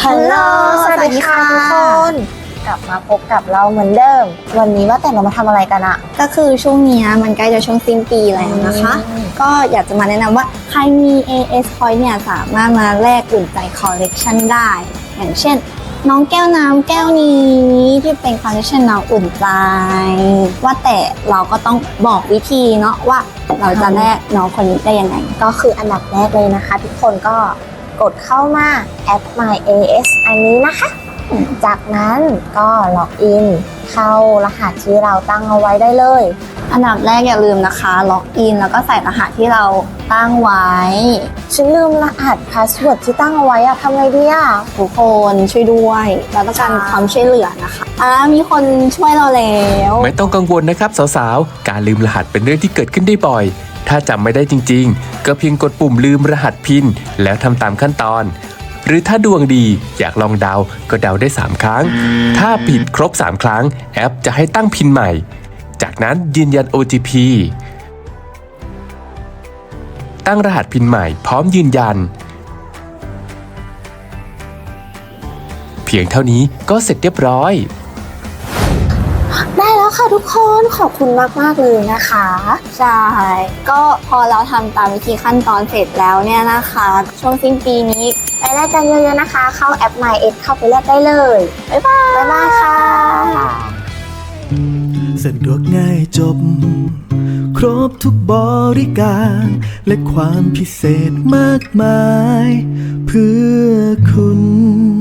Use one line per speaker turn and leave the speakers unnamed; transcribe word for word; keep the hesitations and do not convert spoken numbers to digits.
ฮัลโหลสวัสดีค่ะทุกคนกลับมาพบกับเราเหมือนเดิมวันนี้ว่าแต่เรามาทำอะไรกันอะ
ก็คือช่วงนี้มันใกล้จะช่วงสิ้นปีแล้วนะคะ ก็อยากจะมาแนะนำว่าใครมี เอ เอส Point เนี่ยสามารถมาแลกอุ่นใจคอลเลกชันได้ อย่างเช่นน้องแก้วน้ำแก้วนี้ที่เป็นคอลเลกชันน้องอุ่นใจว่าแต่เราก็ต้องบอกวิธีเนาะว่าเราจะแลกน้องคนนี้ได้ยังไง
ก็คืออันดับแรกเลยนะคะทุกคนก็กดเข้ามาแอป My เอ เอส อันนี้นะคะจากนั้นก็ล็อกอินเข้ารหัสที่เราตั้งเอาไว้ได้เลย
อันดับแรกอย่าลืมนะคะล็อกอินแล้วก็ใส่รหัสที่เราตั้งไว้
ฉันลืมรหัสพาสเวิร์ดที่ตั้งเอาไว้อะทำไงดีอะ
ทุกคนช่วยด้วยเราต้องการความช่วยเหลือนะคะอ่ามีคนช่วยเราแล้ว
ไม่ต้องกังวลนะครับสาวๆการลืมรหัสเป็นเรื่องที่เกิดขึ้นได้บ่อยถ้าจำไม่ได้จริงๆก็เพียงกดปุ่มลืมรหัสพินแล้วทำตามขั้นตอนหรือถ้าดวงดีอยากลองเดาก็เดาได้สามครั้งถ้าผิดครบสามครั้งแอปจะให้ตั้งพินใหม่จากนั้นยืนยัน โอ ที พี ตั้งรหัสพินใหม่พร้อมยืนยันเพียงเท่านี้ก็เสร็จเรียบร้อย
ได้แล้วค่ะทุกคนขอบคุณมากๆเลยนะคะ
ใช่ก็พอเราทำตามวิธีขั้นตอนเสร็จแล้วเนี่ยนะคะช่วงสิ้นปีนี้
ไปแลกกันเยอะๆนะคะเข้าแอป My เอ เอส เข้าไปแลกได้เลยบ๊ายบายบ๊ายบายค่ะ
สะดวกง่ายจบครบทุกบริการและความพิเศษมากมายเพื่อคุณ